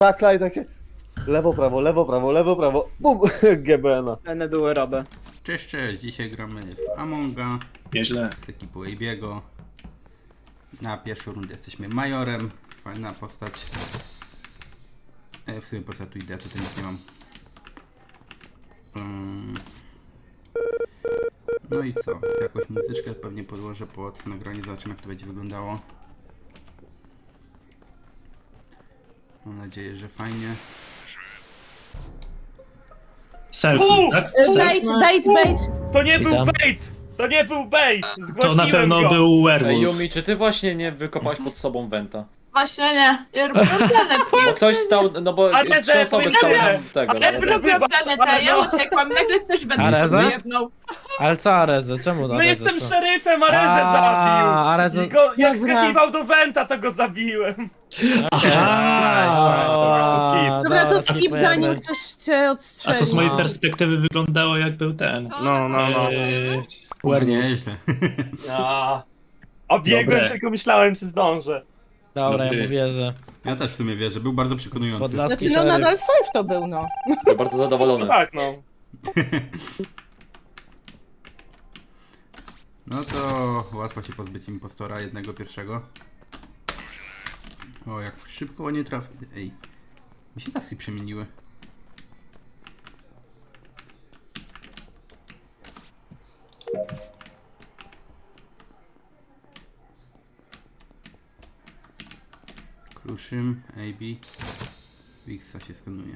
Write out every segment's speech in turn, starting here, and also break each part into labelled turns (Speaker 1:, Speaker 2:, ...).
Speaker 1: Takla i takie lewo, prawo, lewo, prawo, lewo, prawo, bum, GBN-a.
Speaker 2: Fajne duły robię.
Speaker 3: Cześć, cześć, dzisiaj gramy w Amonga
Speaker 4: Nieźle.
Speaker 3: z ekipą Abiego. Na pierwszą rundę jesteśmy Majorem, fajna postać. W sumie po prostu tu idę, tutaj nic nie mam. No i co? Jakąś muzyczkę pewnie podłożę pod nagranie, zobaczymy jak to będzie wyglądało. Mam nadzieję, że fajnie.
Speaker 4: Selfie, tak?
Speaker 5: Bait, bait, bait.
Speaker 6: To nie był
Speaker 7: Witam.
Speaker 6: bait! To nie był bait! Zgłosiłem
Speaker 4: To na pewno
Speaker 6: go.
Speaker 4: był
Speaker 8: Ej,
Speaker 4: werewolf.
Speaker 8: Yumi, czy ty właśnie nie wykopałeś pod sobą Wenta?
Speaker 5: Właśnie nie. Ja robiłam planetę.
Speaker 8: Bo ktoś stał, no bo
Speaker 6: Ale
Speaker 8: trzy osoby
Speaker 6: powiedziałem.
Speaker 8: stały tego.
Speaker 5: Ja
Speaker 8: no,
Speaker 5: robiłam
Speaker 6: Wybacz,
Speaker 5: planetę,
Speaker 6: ale
Speaker 5: ja
Speaker 6: no.
Speaker 5: uciekłam, nagle ktoś we mnie
Speaker 7: Areza?
Speaker 5: sobie jebnął.
Speaker 7: Ale co Arezę? Czemu
Speaker 6: No
Speaker 7: Arezę?
Speaker 6: jestem
Speaker 7: Co?
Speaker 6: szeryfem, Arezę zabił!
Speaker 7: Arezę...
Speaker 6: I go, jak
Speaker 5: Dobra.
Speaker 6: skakiwał do Wenta, to go zabiłem.
Speaker 7: A,
Speaker 5: Dobra, to skip
Speaker 7: skipujemy.
Speaker 5: zanim ktoś cię
Speaker 4: A
Speaker 5: odstrzeli.
Speaker 4: to z mojej
Speaker 7: No.
Speaker 4: perspektywy wyglądało jak był ten.
Speaker 1: No.
Speaker 3: Werewolf. Nieźle.
Speaker 6: Obiegłem,
Speaker 4: Dobre.
Speaker 6: tylko myślałem, czy zdążę.
Speaker 7: Dobra, ja
Speaker 4: Dobry.
Speaker 7: mu wierzę.
Speaker 3: Ja też w sumie wierzę, był bardzo przekonujący.
Speaker 7: Podlaski
Speaker 5: Znaczy, no
Speaker 7: szeryf.
Speaker 5: nadal safe to był, no.
Speaker 8: Jestem bardzo zadowolony.
Speaker 6: Tak, no.
Speaker 3: No to łatwo się pozbyć impostora jednego pierwszego. O, jak szybko nie trafi. Ej, mi się taski przemieniły. Kruszym, AB. Wixa się skanuje.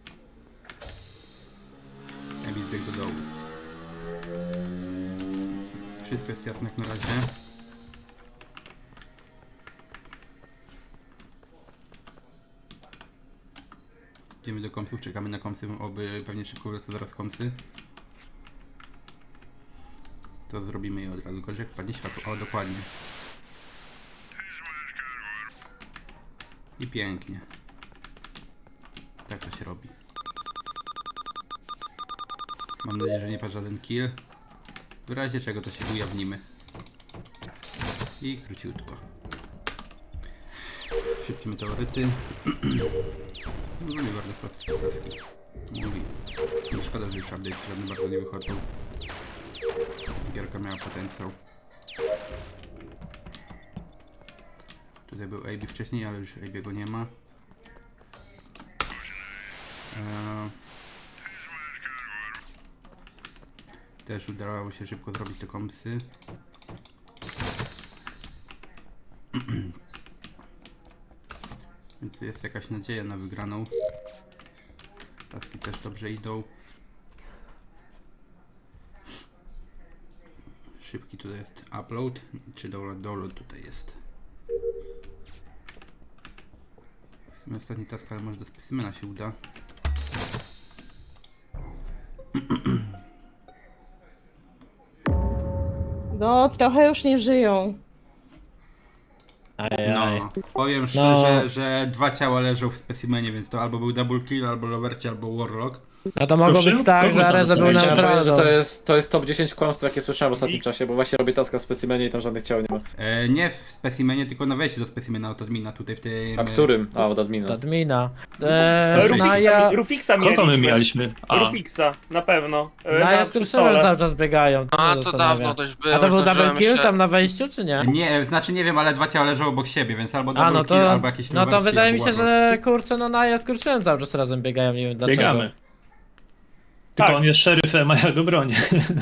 Speaker 3: AB zbiegł do dołu. Wszystko jest jasne jak na razie. Idziemy do komsów, czekamy na komsy, oby pewnie szybko wlecą zaraz komsy. To zrobimy je od razu, gorzej jak wpadnie światło. O, dokładnie. I pięknie. Tak to się robi. Mam nadzieję, że nie padł żaden kill. W razie czego to się ujawnimy. I króciutko. Szybkie meteoryty. No nie bardzo proste taski. Mówi. Nie szkoda, że już update żadne bardzo nie wychodzą. Gierka miała potencjał. Tutaj był AB wcześniej, ale już AB'ego nie ma. Też udało się szybko zrobić te kompsy. Więc jest jakaś nadzieja na wygraną. Taski też dobrze idą. Szybki tutaj jest upload, czy download tutaj jest. W sumie ostatni task, ale może do specimena się uda.
Speaker 5: No, trochę już nie żyją.
Speaker 7: Ajaj.
Speaker 3: No, powiem szczerze, że dwa ciała leżą w specimenie, więc to albo był double kill, albo lowerci, albo warlock.
Speaker 7: No to mogło
Speaker 4: Proszę?
Speaker 7: być tak,
Speaker 4: Kogo
Speaker 7: że
Speaker 4: to
Speaker 7: Arezę był
Speaker 4: zostawić?
Speaker 8: Chciałem powiedzieć, że
Speaker 7: neutralną.
Speaker 8: to jest top 10 kłamstw, jakie słyszałem w ostatnim czasie, bo właśnie robię taska w specimenie i tam żadnych ciał nie ma.
Speaker 3: Nie w specimenie, tylko na wejściu do specimena od admina tutaj w tym...
Speaker 8: A którym? A, od admina.
Speaker 7: Admina.
Speaker 6: Rufixa
Speaker 4: Kogo my
Speaker 6: mieliśmy.
Speaker 4: mieliśmy? A,
Speaker 6: Rufixa, na pewno.
Speaker 7: Naja
Speaker 6: Na
Speaker 7: z
Speaker 6: przy
Speaker 7: Kruszynem
Speaker 6: stole.
Speaker 7: cały czas biegają.
Speaker 9: A,
Speaker 7: mnie
Speaker 9: to
Speaker 7: zastanawia.
Speaker 9: dawno dość było.
Speaker 7: A to
Speaker 9: już
Speaker 7: był double
Speaker 9: dożyłem
Speaker 7: kill
Speaker 9: się.
Speaker 7: tam na wejściu, czy nie?
Speaker 3: Nie, znaczy nie wiem, ale dwa ciała leżą obok siebie, więc albo double
Speaker 7: A, no
Speaker 3: kill,
Speaker 7: to,
Speaker 3: albo jakieś
Speaker 7: no to
Speaker 3: lowerci,
Speaker 7: wydaje mi
Speaker 3: albo
Speaker 7: się,
Speaker 3: warlock.
Speaker 7: że kurczę, no Naja z Kruszynem cały czas razem biegają, nie wiem dlaczego.
Speaker 4: biegamy. Tylko
Speaker 6: Tak.
Speaker 4: on jest szeryfem, a ja go bronię.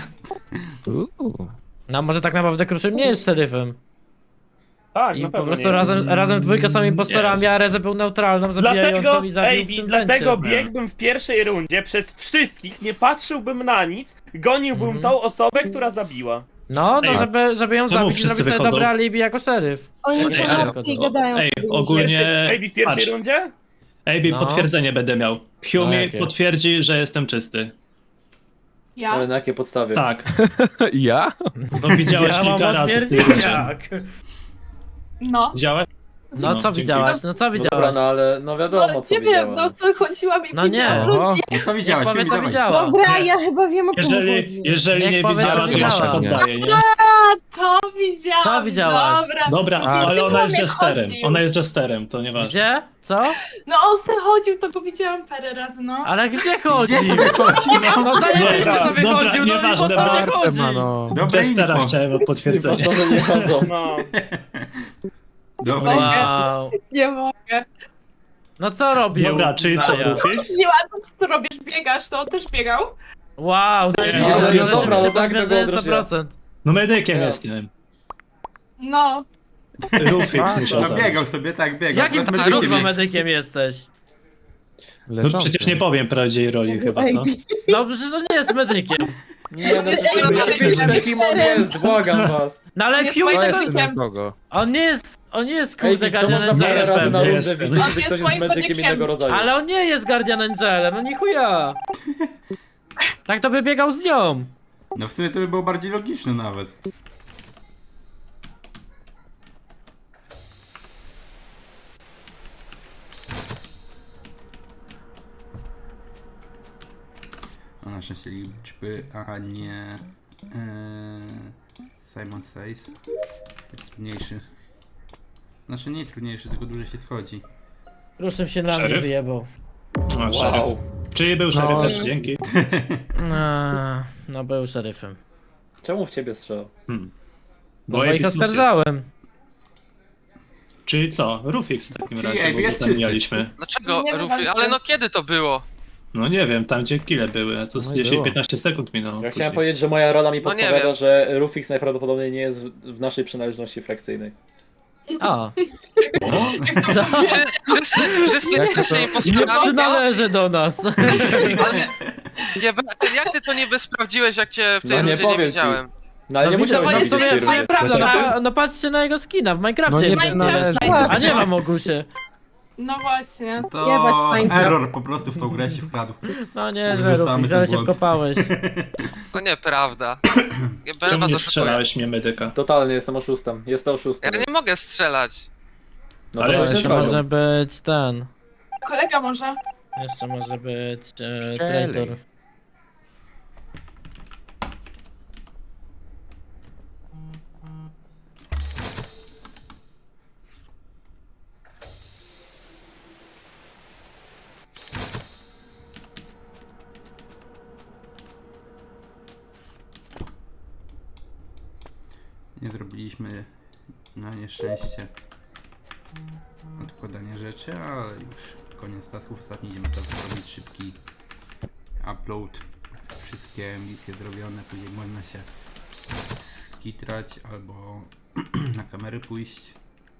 Speaker 7: No może tak naprawdę Kruszym nie jest szeryfem.
Speaker 6: Tak,
Speaker 7: I
Speaker 6: na
Speaker 7: po
Speaker 6: pewno
Speaker 7: prostu
Speaker 6: nie jest.
Speaker 7: razem w dwójkę są impostorami, a Arezę był neutralną, zabijającą
Speaker 6: Dlatego,
Speaker 7: i zabił w
Speaker 6: Ejbi,
Speaker 7: tym
Speaker 6: dlatego
Speaker 7: wencie.
Speaker 6: biegłbym w pierwszej rundzie przez wszystkich, nie patrzyłbym na nic, goniłbym tą osobę, która zabiła.
Speaker 7: No,
Speaker 4: Ej,
Speaker 7: żeby ją
Speaker 4: czemu
Speaker 7: zabić i
Speaker 4: wszyscy
Speaker 7: zrobić sobie
Speaker 4: wychodzą?
Speaker 7: dobre alibi jako szeryf.
Speaker 5: Oni
Speaker 9: Ej,
Speaker 5: są
Speaker 9: ale-
Speaker 5: martwi i gadają
Speaker 4: Ej,
Speaker 5: sobie.
Speaker 4: ogólnie...
Speaker 6: Ejbi w pierwszej
Speaker 4: Patrz,
Speaker 6: rundzie?
Speaker 4: Ejbi,
Speaker 7: No.
Speaker 4: potwierdzenie będę miał.
Speaker 7: A
Speaker 4: Humi
Speaker 7: jakie?
Speaker 4: potwierdzi, że jestem czysty.
Speaker 5: Ja?
Speaker 8: Ale na jakiej podstawie?
Speaker 4: Tak,
Speaker 7: Ja?
Speaker 4: no widziałeś
Speaker 7: Ja mam
Speaker 4: kilka razy w tym
Speaker 7: potwierdzić
Speaker 4: rundzie.
Speaker 7: jak.
Speaker 5: No.
Speaker 4: Widziałeś?
Speaker 7: No co
Speaker 4: dzięki.
Speaker 7: widziałaś? No co
Speaker 8: No dobra,
Speaker 7: widziałaś?
Speaker 8: no ale no wiadomo co
Speaker 2: nie wiem,
Speaker 8: widziałem.
Speaker 2: no co chodziłam i
Speaker 7: No nie,
Speaker 2: widziałam
Speaker 7: no.
Speaker 2: ludzi.
Speaker 3: No co widziałaś?
Speaker 7: Powiedz
Speaker 3: Filip,
Speaker 7: co
Speaker 3: dawaj.
Speaker 7: widziała.
Speaker 5: Dobra, ja chyba wiem o co chodzi.
Speaker 4: Jeżeli
Speaker 7: Niech
Speaker 4: nie
Speaker 7: powie,
Speaker 4: widziała,
Speaker 7: co
Speaker 4: to ja się
Speaker 7: widziała.
Speaker 4: poddaję, nie?
Speaker 2: To widziałam.
Speaker 7: Co widziałaś?
Speaker 2: Dobra.
Speaker 4: Dobra,
Speaker 2: Gdzie
Speaker 4: ale ona jest
Speaker 2: Tomek
Speaker 4: jesterem.
Speaker 2: chodził?
Speaker 4: Ona jest jesterem, to nieważne.
Speaker 7: Gdzie? Co?
Speaker 2: No on se chodził, to go widziałam parę razy, no.
Speaker 7: Ale gdzie chodzi?
Speaker 3: Gdzie sobie chodzi?
Speaker 7: No zajebiście
Speaker 4: Dobra,
Speaker 7: sobie
Speaker 4: dobra,
Speaker 7: chodził, no i
Speaker 4: nieważne,
Speaker 7: po co nie
Speaker 4: dobra.
Speaker 7: chodzi?
Speaker 3: Dobre
Speaker 4: Jestera
Speaker 3: info.
Speaker 4: chciałem o potwierdzenie.
Speaker 8: Impostorzy nie chodzą.
Speaker 6: No.
Speaker 3: Dobre info.
Speaker 7: Wow.
Speaker 2: Nie mogę.
Speaker 7: No co robił?
Speaker 4: Dobra, czyli co,
Speaker 7: Maja?
Speaker 4: Rufix?
Speaker 2: Nie ładno, co ty robisz? Biegasz, to on też biegał?
Speaker 7: Wow,
Speaker 4: Nie,
Speaker 8: ale
Speaker 4: no
Speaker 8: dobra, no tak,
Speaker 7: to
Speaker 8: tego
Speaker 7: jest
Speaker 8: odrodziłem.
Speaker 7: 100%.
Speaker 4: No medykiem
Speaker 8: Ja.
Speaker 4: jestem.
Speaker 2: No.
Speaker 4: Rufix musiał
Speaker 3: No
Speaker 4: zabić.
Speaker 3: biegał sobie, tak, biegał.
Speaker 7: Jakim
Speaker 3: Teraz
Speaker 7: ty
Speaker 3: medykiem
Speaker 7: kurwa
Speaker 3: jest.
Speaker 7: medykiem jesteś?
Speaker 4: No przecież nie powiem prawdziwej roli chyba, co?
Speaker 7: No przecież to nie jest medykiem.
Speaker 8: Nie, no
Speaker 2: Jest
Speaker 8: to
Speaker 2: medykiem.
Speaker 8: kim on jest, błagam was.
Speaker 7: No ale
Speaker 2: Jest
Speaker 7: Q
Speaker 2: moim
Speaker 7: tego...
Speaker 2: medykiem.
Speaker 7: On nie jest
Speaker 8: Ej,
Speaker 7: kurde
Speaker 8: co można
Speaker 7: Guardian
Speaker 8: parę razy
Speaker 7: Angelem.
Speaker 8: na rundę
Speaker 4: jestem.
Speaker 8: widzieć,
Speaker 2: On
Speaker 8: że
Speaker 2: jest
Speaker 8: ktoś jest
Speaker 2: moim
Speaker 8: medykiem
Speaker 2: medykiem.
Speaker 8: innego rodzaju.
Speaker 7: Ale on nie jest Guardian Angelem, no ni chuja. Tak to by biegał z nią.
Speaker 3: No w sumie to by było bardziej logiczne nawet. A na szczęście liczby, a nie... Simon Says jest trudniejszy. Znaczy nie trudniejszy, tylko dłużej się schodzi.
Speaker 7: Ruszym się na mnie
Speaker 4: Szeryf?
Speaker 7: wyjebał.
Speaker 4: O, szeryf. Czyli był szeryf
Speaker 7: No.
Speaker 4: też, dzięki.
Speaker 7: No był szeryfem.
Speaker 8: Czemu w ciebie strzelał?
Speaker 7: Bo
Speaker 4: AB
Speaker 7: ich
Speaker 4: sus jest.
Speaker 7: oskarżałem.
Speaker 4: Czyli co? Rufix w takim
Speaker 3: Czyli
Speaker 4: razie,
Speaker 3: AB
Speaker 4: bo
Speaker 3: jest
Speaker 4: tam
Speaker 3: czysty.
Speaker 4: mieliśmy.
Speaker 9: Dlaczego,
Speaker 2: Nie wiem,
Speaker 9: Rufi?
Speaker 2: walczę.
Speaker 9: Ale no kiedy to było?
Speaker 4: No nie wiem, tam gdzie kile były, to z
Speaker 7: No i było.
Speaker 4: 10-15 sekund minęło.
Speaker 8: Ja
Speaker 4: później.
Speaker 8: chciałem powiedzieć, że moja rola mi
Speaker 9: No nie
Speaker 8: podpowiada,
Speaker 9: wiem.
Speaker 8: że Rufix najprawdopodobniej nie jest w naszej przynależności frakcyjnej.
Speaker 7: A,
Speaker 9: Wszyscy jesteście
Speaker 7: nie
Speaker 9: impostorami.
Speaker 7: przynależy do nas.
Speaker 9: Jak ty to niby sprawdziłeś, jak cię w tej
Speaker 8: No nie
Speaker 9: rundzie nie
Speaker 8: powiem ci.
Speaker 9: widziałem?
Speaker 8: No ale nie
Speaker 7: No
Speaker 8: musiał
Speaker 2: bo
Speaker 8: być
Speaker 2: jest
Speaker 8: na
Speaker 2: to
Speaker 8: tej
Speaker 2: twoja
Speaker 8: rundzie.
Speaker 2: prawda.
Speaker 7: No patrzcie na jego skina w Minecrafcie.
Speaker 2: Minecraft.
Speaker 7: A nie mam Ogusie.
Speaker 2: No właśnie.
Speaker 3: To
Speaker 5: Jebać Minecraft.
Speaker 3: error po prostu w tą grę się wkradł.
Speaker 7: No nie, że
Speaker 3: Wrzucamy
Speaker 7: Rufix,
Speaker 3: ten
Speaker 7: ale się
Speaker 3: błąd.
Speaker 7: wkopałeś.
Speaker 9: To nieprawda. Ja
Speaker 4: Czemu
Speaker 9: was
Speaker 4: nie
Speaker 9: oszukuję.
Speaker 4: strzelałeś mnie medyka?
Speaker 8: Totalnie jestem oszustem. Jestem oszustem.
Speaker 9: Ja nie mogę strzelać.
Speaker 8: No
Speaker 4: Ale
Speaker 8: to
Speaker 4: jesteś
Speaker 8: jest
Speaker 7: Jeszcze
Speaker 8: problem.
Speaker 7: może być ten.
Speaker 2: Kolega może.
Speaker 7: Jeszcze może być traitor.
Speaker 3: Nie zrobiliśmy na nieszczęście odkładania rzeczy, ale już koniec tasków. Ostatni idziemy teraz zrobić szybki upload. Wszystkie misje zrobione, później można się skitrać albo na kamery pójść.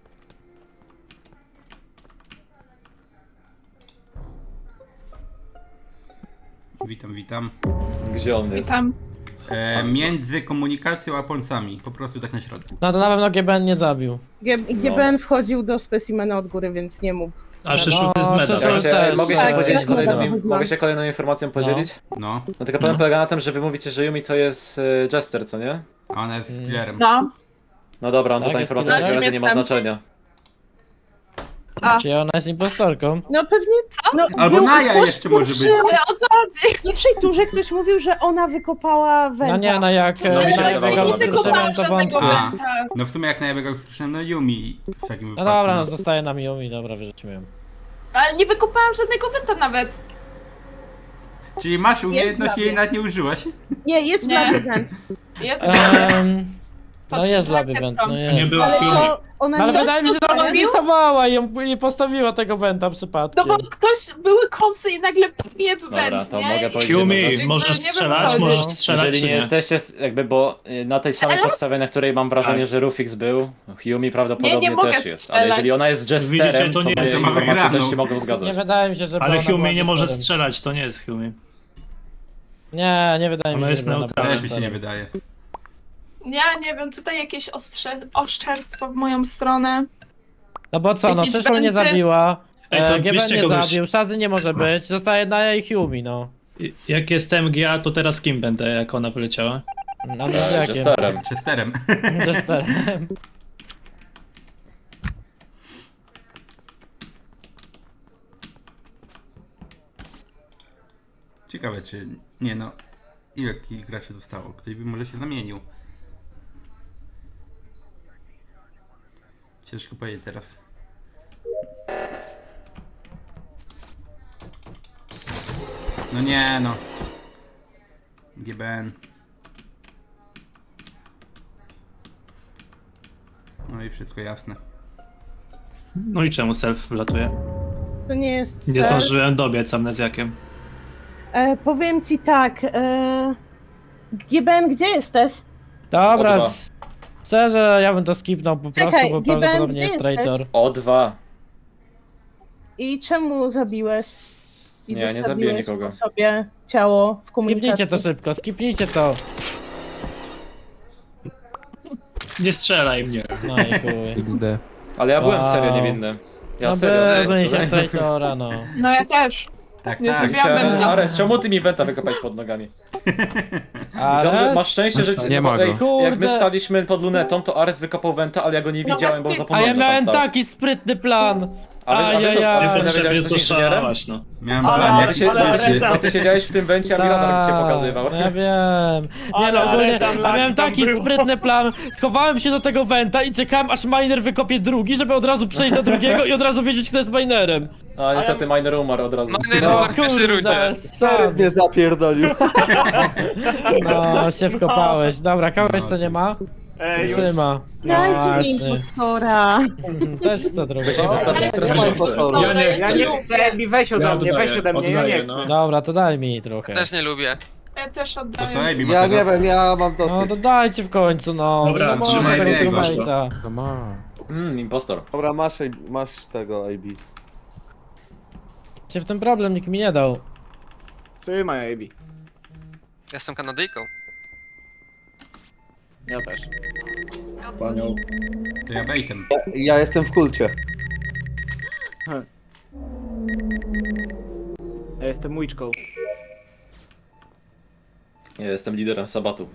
Speaker 3: Witam, witam.
Speaker 8: Gdzie on jest?
Speaker 2: Witam.
Speaker 3: Między komunikacją a ponsami, po prostu tak na środku.
Speaker 7: No to na pewno GBN nie zabił.
Speaker 5: GBN wchodził do specimena od góry, więc nie mógł.
Speaker 4: A Szyszuty z
Speaker 7: No,
Speaker 4: medal.
Speaker 7: Szyszu-
Speaker 8: Ja się,
Speaker 7: też,
Speaker 8: mogę się
Speaker 7: tak,
Speaker 8: podzielić
Speaker 5: tak,
Speaker 8: kolejną,
Speaker 5: tak.
Speaker 8: mogę się kolejną informacją podzielić?
Speaker 3: No,
Speaker 8: No tylko problem polega na tym, że wy mówicie, że Yumi to jest Jester, co nie?
Speaker 3: a ona jest killerem.
Speaker 2: No.
Speaker 8: No dobra, no to
Speaker 7: Tak,
Speaker 8: ta
Speaker 7: jest
Speaker 8: informacja w takim
Speaker 2: killerem.
Speaker 8: razie nie ma
Speaker 2: Jestem.
Speaker 8: znaczenia.
Speaker 2: A.
Speaker 7: Czy ona jest impostorką?
Speaker 5: No pewnie. No,
Speaker 3: Albo
Speaker 5: był
Speaker 3: Naja
Speaker 5: ktoś
Speaker 3: jeszcze może być.
Speaker 5: pierwszy-
Speaker 2: Ale o co chodzi?
Speaker 5: W pierwszej turze ktoś mówił, że ona wykopała węgla.
Speaker 7: No nie, no jak
Speaker 8: No,
Speaker 2: Ale
Speaker 8: mi się
Speaker 2: właśnie
Speaker 8: wydawało,
Speaker 2: nie
Speaker 8: że
Speaker 2: wykopałam
Speaker 7: to
Speaker 2: żadnego
Speaker 7: wątpię.
Speaker 3: A.
Speaker 2: węta.
Speaker 3: No w sumie jak najlepiej usłyszałem, no Yumi w takim
Speaker 7: No
Speaker 3: wypadku.
Speaker 7: dobra, no zostaje nam Yumi, dobra, wyrzućmy ją.
Speaker 2: Ale nie wykopałam żadnego węta nawet.
Speaker 3: Czyli masz umiejętność
Speaker 5: Jest
Speaker 3: i jej nawet nie użyłaś?
Speaker 5: Nie, jest
Speaker 2: Nie.
Speaker 5: Blackgant.
Speaker 2: Jest
Speaker 7: No jest Labyrint, no
Speaker 4: Nie
Speaker 7: jest.
Speaker 4: była
Speaker 5: Ale
Speaker 4: Yumi.
Speaker 5: to ona
Speaker 7: No ale
Speaker 5: nie...
Speaker 7: wydaje mi się, że ona
Speaker 2: zrobił?
Speaker 7: rysowała i nie postawiła tego węta przypadkiem.
Speaker 2: No bo ktoś, były kąsy i nagle mnie w
Speaker 8: Dobra,
Speaker 2: węd,
Speaker 8: to
Speaker 2: nie?
Speaker 8: mogę powiedzieć jedną
Speaker 4: Yumi,
Speaker 8: rzecz.
Speaker 4: możesz
Speaker 2: Nie wiem,
Speaker 4: strzelać,
Speaker 2: co
Speaker 4: możesz
Speaker 2: chodzi.
Speaker 4: strzelać
Speaker 8: Jeżeli
Speaker 4: czy
Speaker 8: nie
Speaker 4: nie?
Speaker 8: jesteście, jakby, bo na tej samej
Speaker 2: Strzelać?
Speaker 8: podstawie, na której mam wrażenie,
Speaker 2: Tak.
Speaker 8: że Rufix był, Yumi prawdopodobnie
Speaker 2: Nie mogę
Speaker 8: też jest.
Speaker 2: strzelać.
Speaker 8: Ale jeżeli ona jest
Speaker 4: Widzicie,
Speaker 8: Jesterem,
Speaker 4: to
Speaker 8: to
Speaker 4: nie
Speaker 8: moje
Speaker 4: jest
Speaker 3: sama
Speaker 8: informacje
Speaker 3: wygraną.
Speaker 8: też się mogą
Speaker 7: Nie
Speaker 8: zgadzać.
Speaker 7: wydaje mi się, że
Speaker 4: Ale
Speaker 7: ona była
Speaker 4: Yumi nie może
Speaker 7: impostorem.
Speaker 4: strzelać, to nie jest Yumi.
Speaker 7: Nie wydaje mi
Speaker 4: Ona
Speaker 7: się,
Speaker 4: jest
Speaker 7: że była
Speaker 4: neutralna.
Speaker 3: Też mi się nie wydaje.
Speaker 2: Ja nie wiem, tutaj jakieś oszczerstwo w moją stronę.
Speaker 7: No bo co, no
Speaker 2: Jakieś
Speaker 7: Syszą nie
Speaker 2: węty.
Speaker 7: zabiła,
Speaker 4: Ej, to
Speaker 7: GBN
Speaker 4: bierzcie
Speaker 7: nie
Speaker 4: kogoś.
Speaker 7: zabił, Szazy nie może być, zostaje Naja i Yumi, no.
Speaker 4: Jak jestem GA, to teraz kim będę, jak ona wyleciała?
Speaker 7: No to jakie?
Speaker 8: Jesterem.
Speaker 3: Chesterem.
Speaker 7: Jesterem.
Speaker 3: Ciekawe czy... Nie no... Ile graczy zostało? Ktoś by może się zamienił. Ciężko powiedzieć teraz. No nie no. GBN. No i wszystko jasne.
Speaker 4: No i czemu self wlatuje?
Speaker 5: To nie jest...
Speaker 4: Nie zdążyłem dobiec amnezjakiem.
Speaker 5: Powiem ci tak, GBN, gdzie jesteś?
Speaker 7: Dobra,
Speaker 8: O2.
Speaker 7: szczerze, ja bym to skipnął po
Speaker 5: Czekaj,
Speaker 7: prostu, bo
Speaker 5: Given,
Speaker 7: prawdopodobnie
Speaker 5: gdzie
Speaker 7: jest
Speaker 5: jesteś?
Speaker 7: traitor.
Speaker 8: O2.
Speaker 5: I czemu zabiłeś? I
Speaker 8: Nie, nie zabiłem
Speaker 5: zostawiłeś
Speaker 8: nikogo.
Speaker 5: po sobie ciało w komunikacji?
Speaker 7: Skipnijcie to szybko, skipnijcie to.
Speaker 4: Nie strzelaj mnie.
Speaker 7: No i chuj.
Speaker 8: Ale ja byłem
Speaker 7: Wow.
Speaker 8: serio niewinny. Ja
Speaker 7: No
Speaker 8: serio.
Speaker 7: bez się traitora, no.
Speaker 2: No ja też.
Speaker 3: Tak,
Speaker 2: Nie
Speaker 3: tak.
Speaker 2: zrobiłam.
Speaker 8: Chciałem... Ares, czemu ty mi Wenta wykopać pod nogami? Dobrze,
Speaker 7: Ale...
Speaker 8: masz szczęście, że...
Speaker 10: Nie ma go.
Speaker 8: Ej, jak my
Speaker 7: Kurde.
Speaker 8: staliśmy pod lunetą, to Ares wykopał Wenta, ale ja go nie
Speaker 2: No
Speaker 8: widziałem, bo
Speaker 2: właśnie.
Speaker 8: zapomniałem,
Speaker 7: A ja
Speaker 8: że tam
Speaker 7: miałem
Speaker 8: stał.
Speaker 7: taki sprytny plan.
Speaker 8: A wiesz,
Speaker 7: Ajajaj.
Speaker 8: że
Speaker 4: Niepotrzebnie
Speaker 8: wiedziałeś, że jesteś inżynierem?
Speaker 4: zgłaszałaś, no.
Speaker 3: Miałem
Speaker 6: Ale-
Speaker 3: plan
Speaker 8: A
Speaker 3: jak
Speaker 8: ty, się,
Speaker 6: Ale
Speaker 8: bo, ty,
Speaker 6: Areza-
Speaker 8: bo ty siedziałeś w tym Wencie, a mi radar cię pokazywał.
Speaker 7: Ja wiem. Nie
Speaker 6: Ale
Speaker 7: no, ogólnie,
Speaker 6: Areza
Speaker 7: ja
Speaker 6: Unlucky
Speaker 7: miałem
Speaker 6: tam
Speaker 7: taki
Speaker 6: było.
Speaker 7: sprytny plan. Schowałem się do tego Wenta i czekałem aż miner wykopie drugi, żeby od razu przejść do drugiego i od razu wiedzieć, kto jest minerem.
Speaker 8: A niestety miner umarł od razu.
Speaker 9: Miner umarł w pierwszej rundzie.
Speaker 1: Szeryf mnie zapierdolił.
Speaker 7: No, się wkopałeś. Dobra, kogoś jeszcze nie ma?
Speaker 6: Już.
Speaker 7: Trzyma. No
Speaker 5: Dajcie mi
Speaker 7: właśnie.
Speaker 5: impostora.
Speaker 7: Też chcę drugi.
Speaker 8: Będziemy ostatni stresujący.
Speaker 2: Ja nie chcę.
Speaker 10: weź
Speaker 4: ode mnie, weź ode mnie, ja nie chcę.
Speaker 7: Dobra, to daj mi trochę.
Speaker 9: Też nie lubię.
Speaker 2: Ja też
Speaker 3: To co,
Speaker 2: oddaję.
Speaker 3: Ejbi ma
Speaker 1: Ja nie
Speaker 3: teraz?
Speaker 1: wiem, ja mam
Speaker 7: No
Speaker 1: dosyć.
Speaker 7: to dajcie w końcu, no.
Speaker 4: Dobra,
Speaker 7: Nie można
Speaker 3: trzymaj
Speaker 7: tego
Speaker 3: biegu.
Speaker 7: crewmate'a.
Speaker 10: To ma.
Speaker 8: Impostor.
Speaker 1: Dobra, masz tego AB.
Speaker 7: Się w tym problem nikt mi nie dał.
Speaker 10: Trzymaj, AB.
Speaker 9: Jestem Kanadyjką.
Speaker 10: Ja też.
Speaker 4: Panią.
Speaker 3: To ja baitem.
Speaker 1: Ja jestem w kulcie.
Speaker 10: Ja jestem łyczką.
Speaker 8: Ja jestem liderem Sabatu.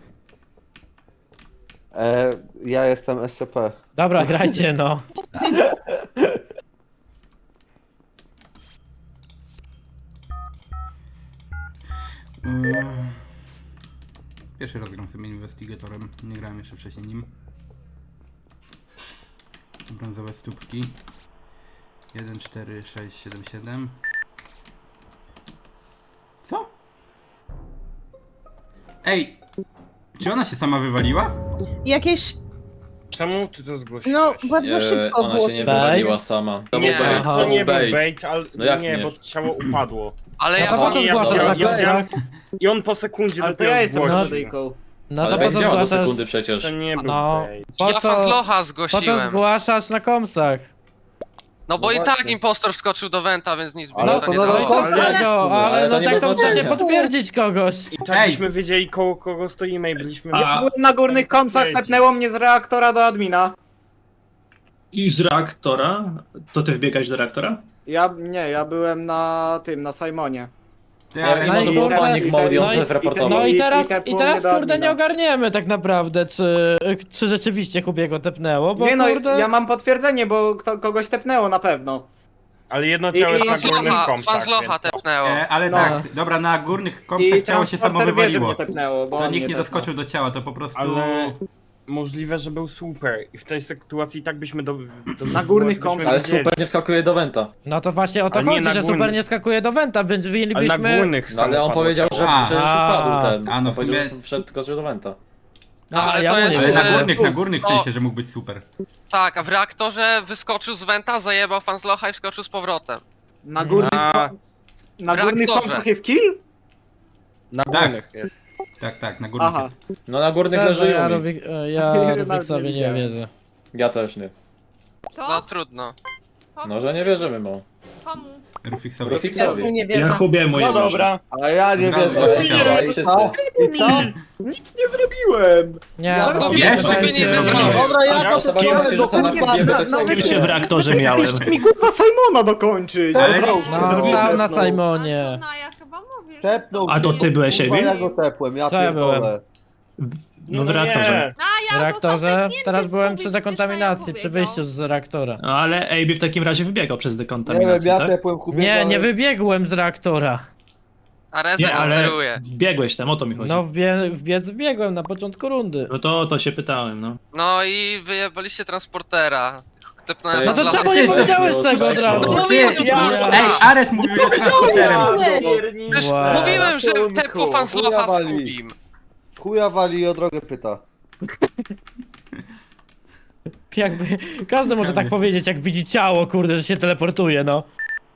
Speaker 1: Ja jestem SCP.
Speaker 7: Dobra, grajcie, no.
Speaker 3: Pierwszy raz gram sobie investigatorem. Nie grałem jeszcze wcześniej nim. Brązowe stópki. 1, 4, 6, 7, 7. Co? Ej! Czy ona się sama wywaliła?
Speaker 5: Jakieś,
Speaker 10: Czemu ty to zgłosiłeś?
Speaker 5: no bardzo szybko
Speaker 8: Ona
Speaker 5: było.
Speaker 8: się nie
Speaker 7: Bait?
Speaker 8: wywaliła sama. To był
Speaker 9: Nie.
Speaker 8: bait.
Speaker 7: Aha.
Speaker 8: To był bait.
Speaker 10: ale
Speaker 8: No jak
Speaker 10: nie,
Speaker 8: nie?
Speaker 10: bo ciało upadło.
Speaker 9: Ale
Speaker 7: No
Speaker 9: ja
Speaker 7: to po co
Speaker 10: ja-
Speaker 7: zgłaszasz
Speaker 10: ja-
Speaker 7: na
Speaker 10: ja-
Speaker 7: plecach?
Speaker 10: I on po sekundzie
Speaker 11: Ale to
Speaker 10: dopiero
Speaker 11: ja jestem
Speaker 10: zgłosił.
Speaker 11: Kanadyjką.
Speaker 7: No
Speaker 8: Ale
Speaker 7: to po
Speaker 8: bait
Speaker 7: co
Speaker 8: działa do
Speaker 7: zgłaszasz?
Speaker 8: sekundy przecież.
Speaker 10: To nie był
Speaker 7: No.
Speaker 10: bait.
Speaker 7: Po
Speaker 9: ja
Speaker 7: co,
Speaker 9: Fanzlocha
Speaker 7: po co
Speaker 9: zgłosiłem.
Speaker 7: zgłaszasz na komsach?
Speaker 9: No bo
Speaker 1: No
Speaker 9: i tak
Speaker 1: właśnie.
Speaker 9: impostor wskoczył do Wenta, więc nic by
Speaker 1: Ale
Speaker 9: mi
Speaker 1: to
Speaker 9: to nie
Speaker 1: nadal
Speaker 9: dało.
Speaker 1: komsy.
Speaker 7: Ale
Speaker 8: to
Speaker 7: no
Speaker 8: nie
Speaker 7: tak to
Speaker 8: było
Speaker 7: trzeba się
Speaker 8: znaczenia.
Speaker 7: potwierdzić kogoś.
Speaker 10: I tak byśmy wiedzieli koło kogo stoimy i byliśmy...
Speaker 4: A-
Speaker 11: Byłem na górnych komsach, tepnęło mnie z reaktora do admina.
Speaker 4: I z reaktora? To ty wbiegałeś do reaktora?
Speaker 11: Ja byłem na tym, na Simonie.
Speaker 8: Ja,
Speaker 7: No
Speaker 8: to
Speaker 7: i
Speaker 8: był
Speaker 7: kurde,
Speaker 8: panic mode i on
Speaker 7: no i-
Speaker 8: self-reportował.
Speaker 7: No i
Speaker 11: I
Speaker 7: teraz,
Speaker 11: tepło
Speaker 7: i teraz
Speaker 11: mnie do
Speaker 7: kurde nie
Speaker 11: admina.
Speaker 7: ogarniemy tak naprawdę, czy rzeczywiście Hubiego tepnęło, bo
Speaker 11: Nie no,
Speaker 7: kurde...
Speaker 11: ja mam potwierdzenie, bo kogoś tepnęło na pewno.
Speaker 10: Ale jedno ciało jest na górnych
Speaker 9: Fanzlocha,
Speaker 10: komsach,
Speaker 9: Fanzlocha
Speaker 10: więc...
Speaker 9: tepnęło.
Speaker 3: Ale
Speaker 11: No.
Speaker 3: tak, dobra, na górnych kompsach
Speaker 11: I
Speaker 3: ciało się samo
Speaker 11: transporter wie, że
Speaker 3: wywaliło.
Speaker 11: mnie tepnęło, bo
Speaker 3: To
Speaker 11: on
Speaker 3: nikt
Speaker 11: mnie
Speaker 3: nie
Speaker 11: tepnął.
Speaker 3: doskoczył do ciała, to po prostu...
Speaker 10: Ale możliwe, że był super. I w tej sytuacji i tak byśmy do
Speaker 11: Na górnych
Speaker 10: byśmy
Speaker 11: komsach.
Speaker 8: Ale
Speaker 10: wiedzieli.
Speaker 8: super nie wskakuje do Wenta.
Speaker 7: No to właśnie o to
Speaker 10: Ale nie
Speaker 7: chodzi,
Speaker 10: na
Speaker 7: że
Speaker 10: górny-
Speaker 7: super nie skakuje do Wenta, więc
Speaker 10: Ale na
Speaker 7: mielibyśmy...
Speaker 10: górnych
Speaker 8: No, ale on
Speaker 10: samopadło
Speaker 8: powiedział,
Speaker 10: ciało.
Speaker 8: że
Speaker 3: A.
Speaker 8: przecież wpadł ten.
Speaker 3: A, no
Speaker 8: On
Speaker 3: w
Speaker 8: powiedział,
Speaker 3: sumie-
Speaker 8: że wszedł tylko że do Wenta.
Speaker 9: Ale
Speaker 7: ja
Speaker 9: to
Speaker 7: mu nie
Speaker 9: jest,
Speaker 3: Ale
Speaker 7: wiem.
Speaker 3: na górnych w
Speaker 9: O.
Speaker 3: sensie, że mógł być super.
Speaker 9: Tak, a w reaktorze wyskoczył z Wenta, zajebał Fanzlocha i wskoczył z powrotem.
Speaker 11: Na górnych, na górnych
Speaker 9: reaktorze.
Speaker 11: komsach jest kill?
Speaker 10: Na
Speaker 3: Tak.
Speaker 10: górnych jest.
Speaker 3: Tak, na górnych
Speaker 11: Aha.
Speaker 3: jest.
Speaker 8: No na górnych
Speaker 7: Szczerze,
Speaker 8: leży
Speaker 7: ja,
Speaker 8: Yumi.
Speaker 7: ja
Speaker 11: Nawet
Speaker 7: Rubiksowi
Speaker 11: nie
Speaker 7: nie
Speaker 11: widziałem.
Speaker 7: wierzę.
Speaker 8: Ja też nie.
Speaker 9: No trudno.
Speaker 8: No, że nie wierzymy mu.
Speaker 3: Rufiksowi.
Speaker 5: Ja
Speaker 8: Rufiksowi.
Speaker 5: mu nie
Speaker 4: Ja
Speaker 5: wierzę.
Speaker 4: Hubiemu nie
Speaker 6: No
Speaker 4: wierzę.
Speaker 6: dobra.
Speaker 1: A ja nie
Speaker 3: Od razu
Speaker 1: wierzę.
Speaker 3: oficjalnie.
Speaker 8: I wszyscy.
Speaker 1: Co? I co?
Speaker 11: Nic nie zrobiłem!
Speaker 7: Nie,
Speaker 11: Ja
Speaker 7: no,
Speaker 9: Kubie,
Speaker 3: Wiesz,
Speaker 9: Kubie
Speaker 3: że
Speaker 9: nic nie
Speaker 3: jest
Speaker 9: zrobił.
Speaker 1: Dobra, ja to
Speaker 8: Zobaczymy,
Speaker 1: strzelę
Speaker 8: czy
Speaker 1: do
Speaker 8: rzuca na
Speaker 1: kurwa.
Speaker 8: Kubiego
Speaker 11: na-
Speaker 8: tak
Speaker 11: na-
Speaker 8: samo.
Speaker 4: Z kim cię w reaktorze miałem?
Speaker 11: Jeszcze mi kurwa Simona dokończyć!
Speaker 3: Ale
Speaker 1: Tepnął.
Speaker 7: no stał na Simonie.
Speaker 12: Ja chyba mówię, że
Speaker 1: Tepnął
Speaker 4: A to
Speaker 1: się.
Speaker 4: ty byłeś,
Speaker 1: Kurwa,
Speaker 4: Ejbi?
Speaker 1: ja go tepłem, ja
Speaker 7: Co ja byłem?
Speaker 1: pierdolę.
Speaker 4: No w reaktorze.
Speaker 7: W reaktorze? Teraz byłem przy dekontaminacji, przy wyjściu z reaktora.
Speaker 4: No ale AB w takim razie wybiegał przez
Speaker 1: Nie wiem,
Speaker 4: dekontaminację,
Speaker 1: ja
Speaker 4: tak?
Speaker 1: tepłem Kubiego.
Speaker 7: Nie, nie
Speaker 1: ale-
Speaker 7: wybiegłem z reaktora.
Speaker 9: Areza
Speaker 4: Nie,
Speaker 9: nie
Speaker 4: ale
Speaker 9: steruje.
Speaker 4: wbiegłeś tam, o to mi chodzi.
Speaker 7: No wbiegłem na początku rundy.
Speaker 4: No to się pytałem, no.
Speaker 9: No i wyjebaliście transportera. Tepnąłem
Speaker 8: No
Speaker 7: No to
Speaker 9: Fanzlocha.
Speaker 7: czemu nie powiedziałeś tego od razu?
Speaker 9: No mówiłem,
Speaker 7: Ja-
Speaker 3: Ej, Ares mówił, że transporterem.
Speaker 9: Przecież
Speaker 7: Wow.
Speaker 9: mówiłem, że tepło Fanzlocha z
Speaker 1: Chuja wali.
Speaker 9: Hubim.
Speaker 1: Chuja wali i o drogę pyta.
Speaker 7: Jakby, każdy może tak powiedzieć, jak widzi ciało, kurde, że się teleportuje, no.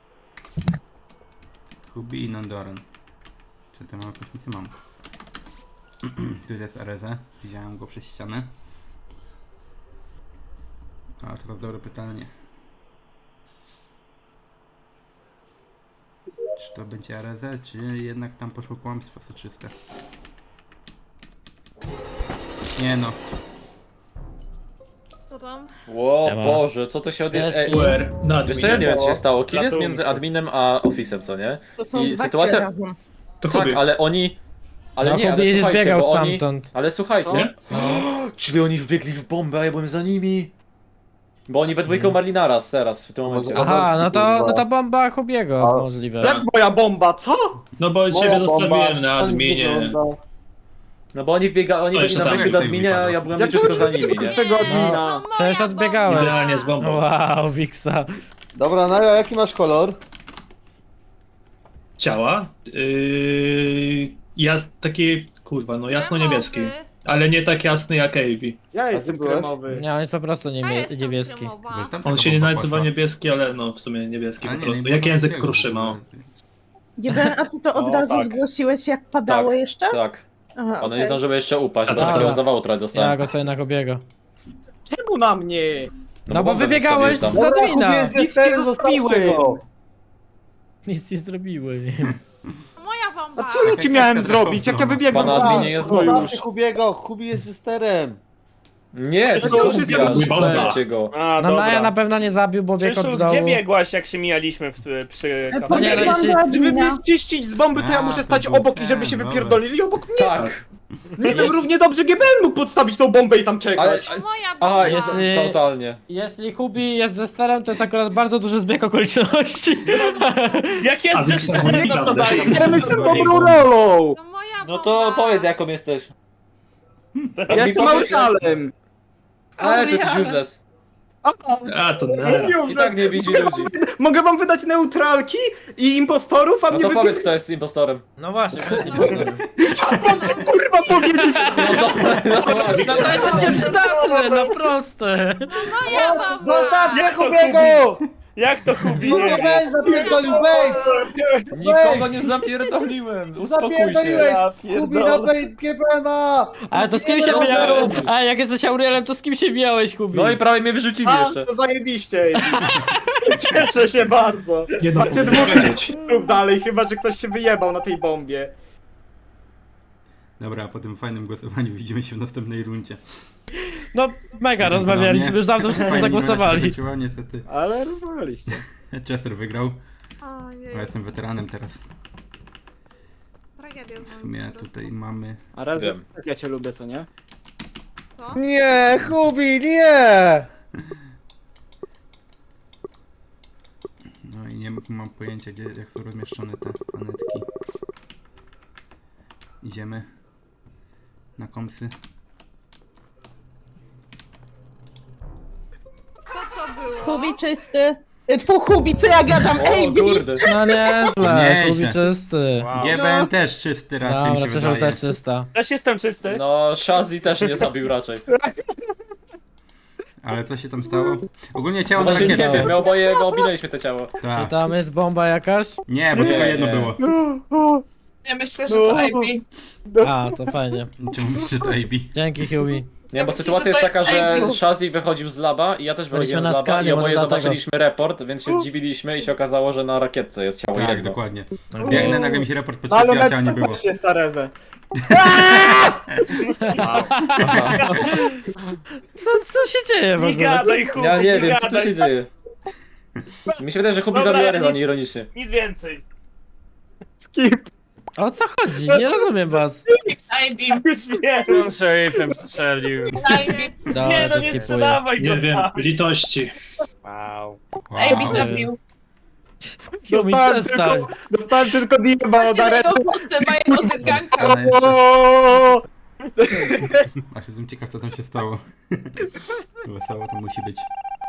Speaker 3: Hubi i Nandoran. Czy to mam jakąś misję? Mam. Tu jest Areza. Widziałem go przez ścianę. A teraz dobre pytanie. Czy to będzie Areza, czy jednak tam poszło kłamstwo soczyste? Nie no.
Speaker 2: Co tam?
Speaker 8: Ło
Speaker 7: Siema.
Speaker 8: Boże, co to się odje...
Speaker 7: Jest
Speaker 8: Ej,
Speaker 7: i-
Speaker 4: Na
Speaker 8: wiesz co, ja nie wiem co się stało. Kill jest
Speaker 10: Ratunku.
Speaker 8: między adminem a office'em, co nie?
Speaker 5: To są
Speaker 8: I
Speaker 5: dwa
Speaker 8: sytuacja-
Speaker 5: kile razem.
Speaker 4: To
Speaker 8: Tak,
Speaker 4: Hubi.
Speaker 8: ale oni... Ale
Speaker 7: No,
Speaker 8: nie, ale
Speaker 7: Hubi
Speaker 8: słuchajcie,
Speaker 7: zbiegał
Speaker 8: bo oni...
Speaker 7: stamtąd.
Speaker 8: Ale słuchajcie. Czyli oni wbiegli w bombę, a ja byłem za nimi. Bo oni we dwójkę umarli naraz, teraz, w tym momencie.
Speaker 7: Aha, no to bomba Hubiego możliwe.
Speaker 11: Jak moja bomba, co?
Speaker 4: No bo ciebie
Speaker 1: Moja
Speaker 4: zostawiłem
Speaker 1: bomba,
Speaker 4: na
Speaker 1: tak
Speaker 4: adminie.
Speaker 1: wygląda.
Speaker 8: No bo oni byli
Speaker 4: jeszcze
Speaker 8: na
Speaker 4: tam
Speaker 8: wyjściu do
Speaker 3: tutaj
Speaker 8: adminie, a
Speaker 3: wypadło.
Speaker 8: ja byłem
Speaker 11: Ja
Speaker 8: leciutko za nimi,
Speaker 11: z
Speaker 8: nie?
Speaker 11: tego admina.
Speaker 7: Przecież odbiegałeś.
Speaker 4: Idealnie z bombą.
Speaker 7: Wow, Wiksa.
Speaker 1: Dobra, Naja, jaki masz kolor?
Speaker 4: Ciała? Taki, kurwa, no jasno-niebieski. Ale nie tak jasny jak Avi.
Speaker 11: Ja jestem
Speaker 1: byłeś?
Speaker 11: kremowy.
Speaker 7: Nie, on jest po prostu niebieski.
Speaker 3: Bo już tam
Speaker 4: On
Speaker 3: taka
Speaker 4: się nie
Speaker 3: bomba
Speaker 4: nazywa
Speaker 3: poszła.
Speaker 4: niebieski, ale no w sumie niebieski
Speaker 3: Ale
Speaker 4: po
Speaker 3: nie,
Speaker 4: prostu.
Speaker 3: nie
Speaker 4: Jak
Speaker 3: było
Speaker 4: język
Speaker 3: takiego w
Speaker 4: kruszyma.
Speaker 3: ogóle.
Speaker 5: Gieben, a ty to od
Speaker 11: O,
Speaker 5: razu
Speaker 11: tak.
Speaker 5: zgłosiłeś, jak padało
Speaker 8: Tak,
Speaker 5: jeszcze?
Speaker 8: Tak.
Speaker 5: Aha,
Speaker 8: One nie
Speaker 5: okej.
Speaker 8: zdążyły jeszcze upaść,
Speaker 4: A
Speaker 8: bo
Speaker 4: co
Speaker 8: takiego
Speaker 7: to?
Speaker 8: zawału trochę
Speaker 7: Ja
Speaker 8: dostałem.
Speaker 7: go sobie na Hubiego.
Speaker 11: Czemu na mnie?
Speaker 7: No bo
Speaker 8: bombę
Speaker 7: wybiegałeś z
Speaker 8: wystawiłem tam.
Speaker 7: admina.
Speaker 1: Kupię z
Speaker 11: Nic
Speaker 1: Esterem,
Speaker 11: nie
Speaker 1: zostawcie
Speaker 11: zostawiłem.
Speaker 1: go.
Speaker 7: Nic nie zrobiły.
Speaker 2: Moja bomba!
Speaker 11: A co ja ci miałem zrobić, jak ja wybiegłem
Speaker 8: Pana
Speaker 11: za...
Speaker 8: adminie jest
Speaker 11: No
Speaker 1: Zostawcie
Speaker 11: już.
Speaker 1: Hubiego, Hubi jest z Esterem.
Speaker 8: Nie,
Speaker 11: To
Speaker 8: to
Speaker 11: już jest
Speaker 8: Hubiasz,
Speaker 11: jego bomba.
Speaker 8: zabijcie go.
Speaker 10: A,
Speaker 7: No Naja na
Speaker 10: dobra.
Speaker 7: pewno nie zabił, bo biegł
Speaker 10: Krzysztof,
Speaker 7: od dołu.
Speaker 10: gdzie biegłaś, jak się mijaliśmy przy
Speaker 7: No nie,
Speaker 10: kafeterii?
Speaker 7: no
Speaker 5: Pobiegłam
Speaker 7: jeśli-
Speaker 5: do
Speaker 11: Żeby mnie
Speaker 5: admina.
Speaker 11: ściścić z bomby, to ja
Speaker 3: A,
Speaker 11: muszę
Speaker 3: to
Speaker 11: stać
Speaker 3: był
Speaker 11: obok i żeby
Speaker 3: ten,
Speaker 11: się
Speaker 3: dobra.
Speaker 11: wypierdolili obok mnie.
Speaker 8: Tak.
Speaker 11: Nie wiem, równie dobrze GBN mógł podstawić tą bombę i tam
Speaker 8: Ale...
Speaker 11: czekać.
Speaker 2: Moja
Speaker 8: Aha,
Speaker 2: bomba!
Speaker 8: jest
Speaker 7: Jeśli-
Speaker 8: totalnie.
Speaker 7: Jeśli Hubi jest ze sterem, to jest akurat bardzo duży zbieg okoliczności.
Speaker 10: Jak
Speaker 4: A
Speaker 10: jest
Speaker 4: Wiksa
Speaker 10: Jester,
Speaker 4: mówi
Speaker 10: no to
Speaker 4: prawdę.
Speaker 10: daj.
Speaker 11: Ja jestem dobrą rolą.
Speaker 2: To moja bomba!
Speaker 8: No to powiedz jaką jesteś.
Speaker 11: Ja jestem Aurialem.
Speaker 8: Ale to jesteś useless.
Speaker 4: A to
Speaker 8: I tak nie widzi ludzi.
Speaker 11: Mogę wam wydać neutralki i impostorów, a
Speaker 8: No
Speaker 11: mnie
Speaker 8: to powiedz
Speaker 11: wypierdolą.
Speaker 8: kto jest impostorem.
Speaker 7: No właśnie, to jest impostor.
Speaker 11: Mam ci kurwa powiedzieć.
Speaker 8: No właśnie.
Speaker 7: To jest nieprzydatne, no proste.
Speaker 2: Moja bomba!
Speaker 1: Zostawcie Hubiego!
Speaker 10: Jak to Hubi
Speaker 1: Kurwa,
Speaker 10: nie wie?
Speaker 1: weź zapierdolił, bait!
Speaker 8: Nikogo nie zapierdoliłem. Uspokój się.
Speaker 1: Zapierdoliłeś!
Speaker 10: Ja
Speaker 1: Hubi na
Speaker 10: pierdolę.
Speaker 1: bait GBN-a!
Speaker 7: Ale to z kim się
Speaker 1: Nie
Speaker 7: mijałeś?
Speaker 1: wiem.
Speaker 7: A jak jesteś Aurielem, to z kim się mijałeś, Hubi?
Speaker 8: No i prawie mnie wyrzucili
Speaker 11: A,
Speaker 8: jeszcze.
Speaker 11: to zajebiście. Cieszę się bardzo.
Speaker 4: Nie no,
Speaker 11: Macie
Speaker 4: mogę
Speaker 11: dwóch
Speaker 4: wiedzieć.
Speaker 11: lub dalej, chyba że ktoś się wyjebał na tej bombie.
Speaker 3: Dobra, po tym fajnym głosowaniu widzimy się w następnej rundzie.
Speaker 7: No mega rozmawialiśmy, już dawno wszyscy
Speaker 3: Fajnie
Speaker 7: zagłosowali.
Speaker 3: się skończyło, niestety.
Speaker 11: Ale rozmawialiście.
Speaker 3: Chester wygrał,
Speaker 2: Ojej,
Speaker 3: a ja jestem weteranem teraz.
Speaker 2: tragedia z
Speaker 3: W
Speaker 2: moim
Speaker 3: sumie
Speaker 2: po prostu.
Speaker 3: tutaj mamy...
Speaker 11: A raz,
Speaker 8: Wiem.
Speaker 11: tak ja cię lubię, co nie?
Speaker 2: Co?
Speaker 1: Nie, Hubi, nie!
Speaker 3: No i nie mam pojęcia, gdzie, jak są rozmieszczone te planetki. Idziemy na komsy.
Speaker 2: Co to było?
Speaker 5: Hubi czysty. Tfu, Hubi, co ja gadam?
Speaker 8: O
Speaker 5: Ej,
Speaker 8: kurde.
Speaker 7: No nieźle,
Speaker 3: Nieźle.
Speaker 7: Hubi czysty.
Speaker 10: Wow.
Speaker 3: GBN też czysty raczej mi
Speaker 7: Dobra,
Speaker 3: się
Speaker 7: Krzysztof
Speaker 3: wydaje.
Speaker 7: też czysta.
Speaker 10: Też jestem czysty.
Speaker 8: No, Shazzy też nie zabił raczej.
Speaker 3: Ale co się tam stało? Ogólnie ciało
Speaker 8: No
Speaker 3: na
Speaker 8: właśnie nie
Speaker 3: rakietce.
Speaker 8: wiem, my oboje go ominęliśmy te ciało.
Speaker 7: Czy
Speaker 3: Tak.
Speaker 7: tam jest bomba jakaś?
Speaker 3: Nie, bo tylko jedno
Speaker 8: nie.
Speaker 3: było.
Speaker 2: Ja myślę, że to Ivy.
Speaker 7: A, to fajnie.
Speaker 3: Czemu myślisz, to AB?
Speaker 7: Dzięki, Hubi.
Speaker 8: Nie, bo
Speaker 2: myślę,
Speaker 8: sytuacja
Speaker 2: że
Speaker 8: jest
Speaker 2: to
Speaker 8: taka,
Speaker 2: jest
Speaker 8: że
Speaker 2: Ivy.
Speaker 8: Shazzy wychodził z laba i ja też wychodziłem z
Speaker 7: na
Speaker 8: laba
Speaker 7: skali,
Speaker 8: i
Speaker 7: może
Speaker 8: oboje
Speaker 7: dlatego.
Speaker 8: zobaczyliśmy report, więc się zdziwiliśmy i się okazało, że na rakietce jest ciało
Speaker 3: Tak,
Speaker 8: jedno.
Speaker 3: dokładnie. Biegnę, nagle mi się raport
Speaker 11: No ale
Speaker 3: podświetlił, a ciała nie
Speaker 11: Let's
Speaker 3: było.
Speaker 11: też jest Arezę.
Speaker 7: Co się dzieje w
Speaker 10: Nie
Speaker 7: ogóle?
Speaker 10: gadaj, Hubi,
Speaker 8: Ja nie wiem, co tu
Speaker 10: gadaj.
Speaker 8: się dzieje. Mi się wydaje, że Hubi
Speaker 10: Dobra,
Speaker 8: zabił Arezę,
Speaker 10: nic-
Speaker 8: a nie ironicznie.
Speaker 10: Nic więcej.
Speaker 11: Skip.
Speaker 7: O co chodzi? Nie rozumiem was.
Speaker 2: Ivy.
Speaker 10: Już wiem.
Speaker 6: Szeryfem strzelił.
Speaker 2: Ivy.
Speaker 7: Dobra,
Speaker 10: Nie no,
Speaker 7: to
Speaker 10: nie
Speaker 7: skipuję.
Speaker 10: sprzedawaj go
Speaker 4: Nie wiem,
Speaker 10: tak.
Speaker 4: litości.
Speaker 6: Wow.
Speaker 2: Ivy
Speaker 3: Wow.
Speaker 2: zabił.
Speaker 7: Yumi,
Speaker 11: Dostałem
Speaker 7: przestań.
Speaker 11: Dostałem tylko dieba od
Speaker 2: Właśnie
Speaker 11: Arety.
Speaker 2: tego postę mojego tyganka.
Speaker 3: Ale jeszcze...
Speaker 11: O!
Speaker 3: Aż jestem ciekaw, co tam się stało. Wesoło to musi być.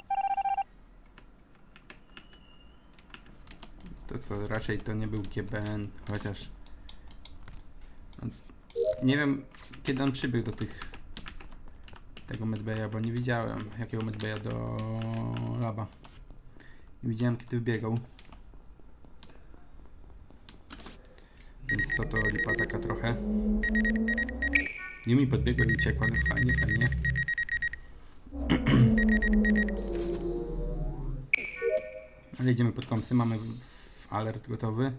Speaker 3: To co, raczej to nie był GBN, chociaż... Nie wiem, kiedy on przybył do tego medbaya, bo nie widziałem jakiego medbaya do laba. Nie widziałem, kiedy wbiegał. Więc to lipa taka trochę. Yumi podbiegła i uciekła, no fajnie, fajnie. Ale idziemy pod komsy, mamy alert gotowy.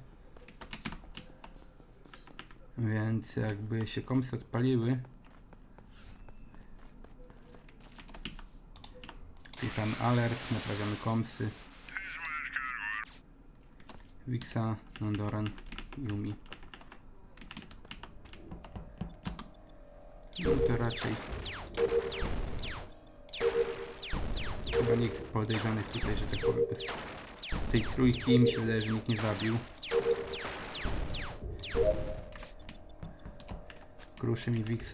Speaker 3: Więc jakby się komsy odpaliły, klikamy alert, naprawiamy komsy. Wixa, Nandoran, Yumi. No to raczej chyba nikt z podejrzanych tutaj, że tak powiem, z tej trójki mi się wydaje, że nikt nie zabił. Kruszy mi Wixa.